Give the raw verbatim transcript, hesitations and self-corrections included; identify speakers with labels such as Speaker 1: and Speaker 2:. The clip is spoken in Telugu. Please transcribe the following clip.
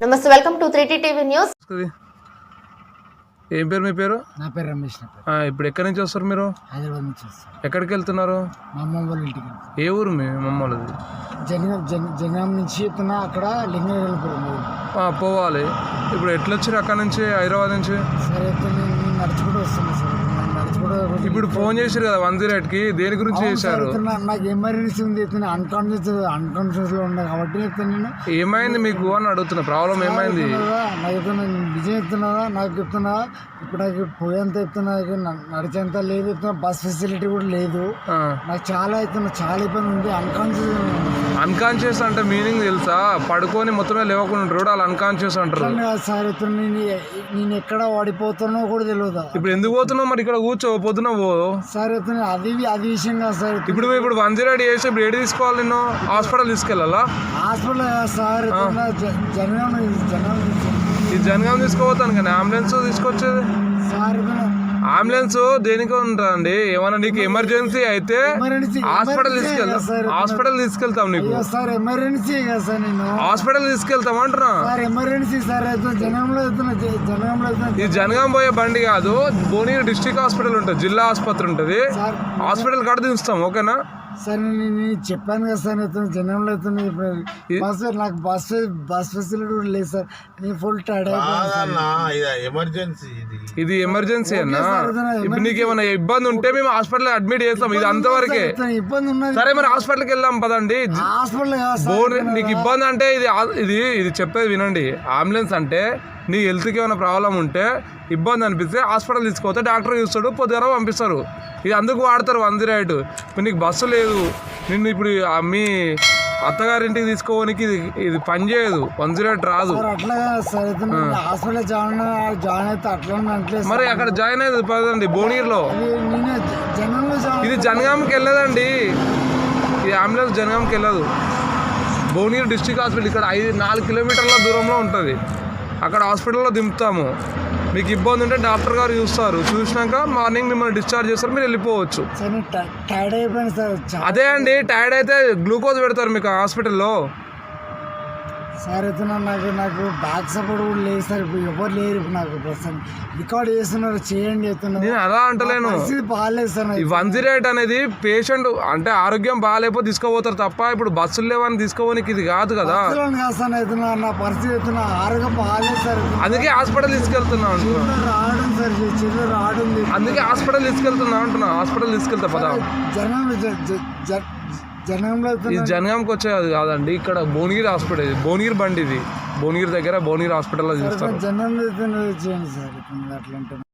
Speaker 1: నమస్తే, welcome to three T TV news.
Speaker 2: ఏం పేరు మీ పేరు?
Speaker 3: నా పేరు రమేష్.
Speaker 2: ఇప్పుడు ఎక్కడి నుంచి వస్తారు మీరు?
Speaker 3: హైదరాబాద్ నుంచి వస్తారు.
Speaker 2: ఎక్కడికి వెళ్తున్నారు?
Speaker 3: మా అమ్మ వాళ్ళ ఇంటికి.
Speaker 2: ఏ ఊరు మీ మమ్మల్ది?
Speaker 3: జనగాం జనగాం నుంచి చెప్తున్నా, అక్కడ లింగనగరం
Speaker 2: పోవాలి. ఇప్పుడు ఎట్లా వచ్చారు అక్కడ నుంచి, హైదరాబాద్ నుంచి?
Speaker 3: సరే, నేను నడుచుకుంటూ వస్తున్నా సార్.
Speaker 2: ఇప్పుడు ఫోన్ చేశారు కదా వన్ జీరో ఎయిట్ కి, దేని గురించి చేశారు?
Speaker 3: నాకు ఎమర్జెన్సీ ఉంది, అన్కాన్షియస్ అన్కాన్షియస్ లో ఉన్నా కాబట్టి నేను
Speaker 2: ఏమైంది మీకు అని అడుగుతున్నా. ప్రాబ్లం ఏమైంది?
Speaker 3: నాకు చెప్తున్నా, నిజం చెప్తున్నావా? నాకు చెప్తున్నా, ఇప్పుడు నాకు పోయేంత చెప్తున్నా, నడిచేంత లేదు చెప్తున్నా, బస్ ఫెసిలిటీ కూడా లేదు. నాకు చాలా అవుతున్నా, చాలా ఇబ్బంది ఉంది. అన్కాన్షియస్
Speaker 2: అన్కాన్షియస్ అంటే మీనింగ్ తెలుసా? పడుకొని మొత్తమే లేవకుండా ఉంటారు, వాళ్ళు అన్కాన్షియస్ అంటారు.
Speaker 3: సార్ నేను నేను ఎక్కడ వాడిపోతానో కూడా తెలియదు.
Speaker 2: ఇప్పుడు ఎందుకు పోతున్నావు మరి? ఇక్కడ కూర్చో, పొద్దున పో
Speaker 3: సార్. అది అది విషయం కాదు సార్.
Speaker 2: ఇప్పుడు ఇప్పుడు వన్ జీరో ఎయిట్ చేసి ఇప్పుడు ఏడు తీసుకోవాలి? నేను హాస్పిటల్ తీసుకెళ్ళాలా?
Speaker 3: హాస్పిటల్ సార్, జనగాం జనగాం
Speaker 2: ఈ జనగాం తీసుకోపోతాను కానీ అంబులెన్స్ తీసుకొచ్చేది
Speaker 3: సార్.
Speaker 2: అంబులెన్స్ దేనికి ఉంటుందండి? ఏమన్నా నీకు ఎమర్జెన్సీ అయితే హాస్పిటల్ తీసుకెళ్తాం, హాస్పిటల్ తీసుకెళ్తాం. నీకు
Speaker 3: సార్ ఎమర్జెన్సీ కదా సార్, నేను
Speaker 2: హాస్పిటల్ తీసుకెళ్తాం అంటున్నా.
Speaker 3: Sir emergency sir. జనగాంలో జనగాంలో
Speaker 2: ఈ జనగాం పోయే బండి కాదు, భువనగిరి డిస్ట్రిక్ట్ హాస్పిటల్ ఉంటుంది, జిల్లా ఆసుపత్రి ఉంటుంది. హాస్పిటల్ కాడ దించుతాం, ఓకేనా?
Speaker 3: సార్ నేను చెప్పాను కదా సార్, అవుతుంది జనంలో అవుతుంది. బస్ నాకు బస్ బస్ ఫెసిలిటీ కూడా లేదు సార్. నేను ఫుల్ టైర్డ్
Speaker 2: ఎమర్జెన్సీ. ఇది ఎమర్జెన్సీ అన్నా. ఇప్పుడు నీకు ఏమైనా ఇబ్బంది ఉంటే మేము హాస్పిటల్ అడ్మిట్ చేస్తాం. ఇది అంతవరకే
Speaker 3: ఇబ్బంది ఉన్నది.
Speaker 2: సరే మరి హాస్పిటల్కి వెళ్దాం పదండి.
Speaker 3: హాస్పిటల్
Speaker 2: నీకు ఇబ్బంది అంటే ఇది ఇది ఇది చెప్పేది వినండి. అంబులెన్స్ అంటే నీ హెల్త్కి ఏమైనా ప్రాబ్లం ఉంటే, ఇబ్బంది అనిపిస్తే హాస్పిటల్ తీసుకుపోతే డాక్టర్ చూస్తాడు, పొద్దున పంపిస్తారు. ఇది అందుకు వాడతారు వన్ జీరో ఎయిట్. ఇప్పుడు నీకు బస్సు లేదు, నిన్ను ఇప్పుడు మీ అత్తగారింటికి తీసుకోవడానికి ఇది ఇది పని చేయదు, వన్ జీరో ఎయిట్ రాదు. మరి అక్కడ జాయిన్ అయ్యేది పదండి భువనగిరిలో. ఇది జనగాంకి వెళ్ళదండి, ఈ అంబులెన్స్ జనగాంకి వెళ్ళదు. భువనగిరి డిస్ట్రిక్ట్ హాస్పిటల్ ఇక్కడ ఐదు నాలుగు కిలోమీటర్ల దూరంలో ఉంటుంది. అక్కడ హాస్పిటల్లో దింపుతాము. మీకు ఇబ్బంది ఉంటే డాక్టర్ గారు చూస్తారు, చూసినాక మార్నింగ్ మిమ్మల్ని డిశ్చార్జ్ చేస్తారు, మీరు వెళ్ళిపోవచ్చు. అదే అండి, టైర్డ్ అయితే గ్లూకోజ్ పెడతారు మీకు హాస్పిటల్లో.
Speaker 3: సార్ అయితే నాకు నాకు బ్యాక్ సపోర్ట్ కూడా లేదు సార్. ఇప్పుడు ఎవరు లేరు. ఇప్పుడు నాకు ప్రస్తుతం రికార్డ్ చేస్తున్నారు, చేయండి చెప్తున్నారు.
Speaker 2: నేను అలా అంటలేను,
Speaker 3: బాగాలేదు సార్.
Speaker 2: ఈ వన్ జీరో ఎయిట్ అనేది పేషెంట్ అంటే ఆరోగ్యం బాగాలేకపోతే తీసుకోపోతారు తప్ప, ఇప్పుడు బస్సులు లేవని తీసుకోవడానికి ఇది కాదు కదా.
Speaker 3: సార్ అవుతున్నా, నా పరిస్థితి అవుతున్నా, ఆరోగ్యం బాగాలేదు సార్.
Speaker 2: అందుకే హాస్పిటల్ తీసుకెళ్తున్నా
Speaker 3: రావడం సార్, చెల్లి రావడం.
Speaker 2: అందుకే హాస్పిటల్ తీసుకెళ్తున్నా అంటున్నా. హాస్పిటల్ తీసుకెళ్తా పదా.
Speaker 3: జనం జనంలో
Speaker 2: ఇది జనగాంకి వచ్చేది కాదండి, ఇక్కడ భువనగిరి హాస్పిటల్. భువనగిరి బండి ఇది, భువనగిరి దగ్గర భువనగిరి హాస్పిటల్లో చూస్తారు.
Speaker 3: జనంలో చేయండి సార్, అట్లా